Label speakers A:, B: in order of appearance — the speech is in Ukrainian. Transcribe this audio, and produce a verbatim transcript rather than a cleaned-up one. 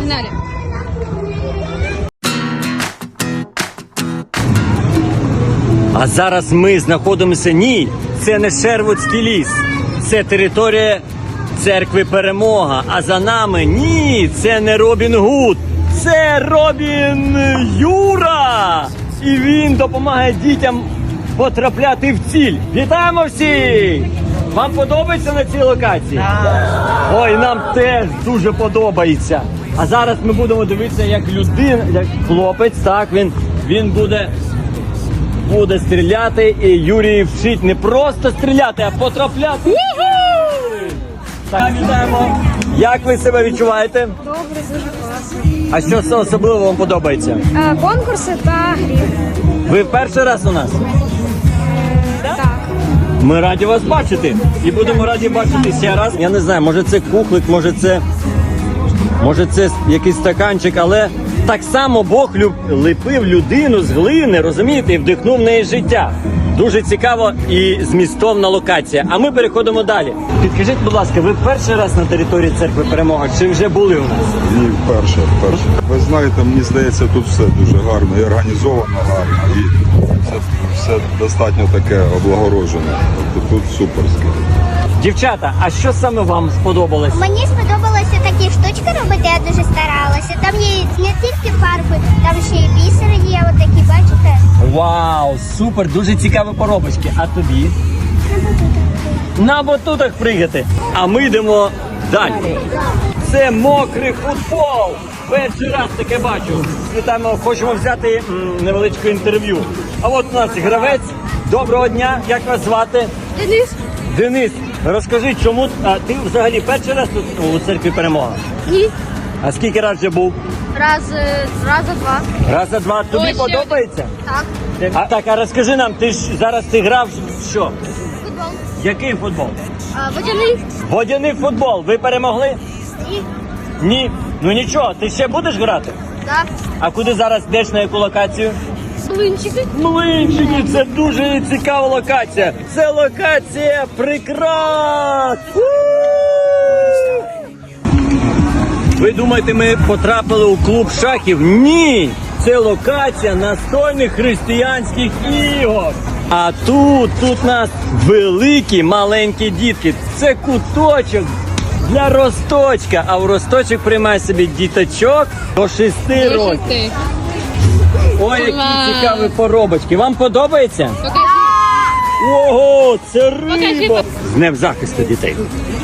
A: Погнали.
B: А зараз ми знаходимося, ні, це не Шервудський ліс, це територія церкви Перемога. А за нами, ні, це не Робін Гуд, це Робін Юра. І він допомагає дітям потрапляти в ціль. Вітаємо всіх! Вам подобається на цій локації? Ой, нам теж дуже подобається. А зараз ми будемо дивитися, як людина, як хлопець, так, він, він буде... буде стріляти, і Юрій вчить не просто стріляти, а потрапляти. Так, вітаємо. Як ви себе відчуваєте?
A: Добре, дуже класно.
B: А що це особливо вам подобається?
A: Е, конкурси та грі.
B: Ви перший раз у нас?
A: Так.
B: Ми раді вас бачити. І будемо раді бачити ще раз. Я не знаю, може це кухлик, може це, може це якийсь стаканчик, але так само Бог люб... ліпив людину з глини, розумієте, і вдихнув в неї життя. Дуже цікаво і змістовна локація. А ми переходимо далі. Підкажіть, будь ласка, ви перший раз на території церкви Перемога, чи вже були у нас?
C: Ні, вперше, вперше. Ви знаєте, мені здається, тут все дуже гарно і організовано гарно, і все, все достатньо таке облагороджене. Тобто тут суперське.
B: Дівчата, а що саме вам сподобалось?
D: Мені сподобалося такі штучки робити, я дуже старалася. Там є не тільки фарби, там ще й бісери є, от такі, бачите?
B: Вау, супер, дуже цікаві поробочки. А тобі? На батутах пригати. А ми йдемо далі. Це мокрий футбол. Перший раз таке бачу. Ми там хочемо взяти м, невеличке інтерв'ю. А от у нас гравець. Доброго дня, як вас звати?
A: Денис?
B: Денис, розкажи, чому а, ти взагалі перший раз тут у церкві Перемога?
A: Ні.
B: А скільки раз вже був?
A: Раз, е, раза два.
B: Раз, за два. Тобі
A: Ой, ще
B: подобається?
A: Так.
B: А, так, а розкажи нам, ти ж зараз ти грав в що?
A: Футбол.
B: Який футбол?
A: А, водяний.
B: Водяний футбол. Ви перемогли?
A: Ні.
B: Ні. Ну нічого, ти ще будеш грати?
A: Так.
B: А куди зараз йдеш, на яку локацію?
A: Блинчики.
B: Млинчики, це дуже цікава локація. Це локація прикрас. У! Ви думаєте, ми потрапили у клуб шахів? Ні! Це локація настольних християнських ігор. А тут, тут нас великі маленькі дітки. Це куточок для Росточка. А в Росточок приймає собі діточок до шести років. Ой, які
A: Клас.
B: цікаві поробочки. Вам подобається?
A: Покажи.
B: Ого, це
A: Покажи.
B: риба! З Днем захисту дітей.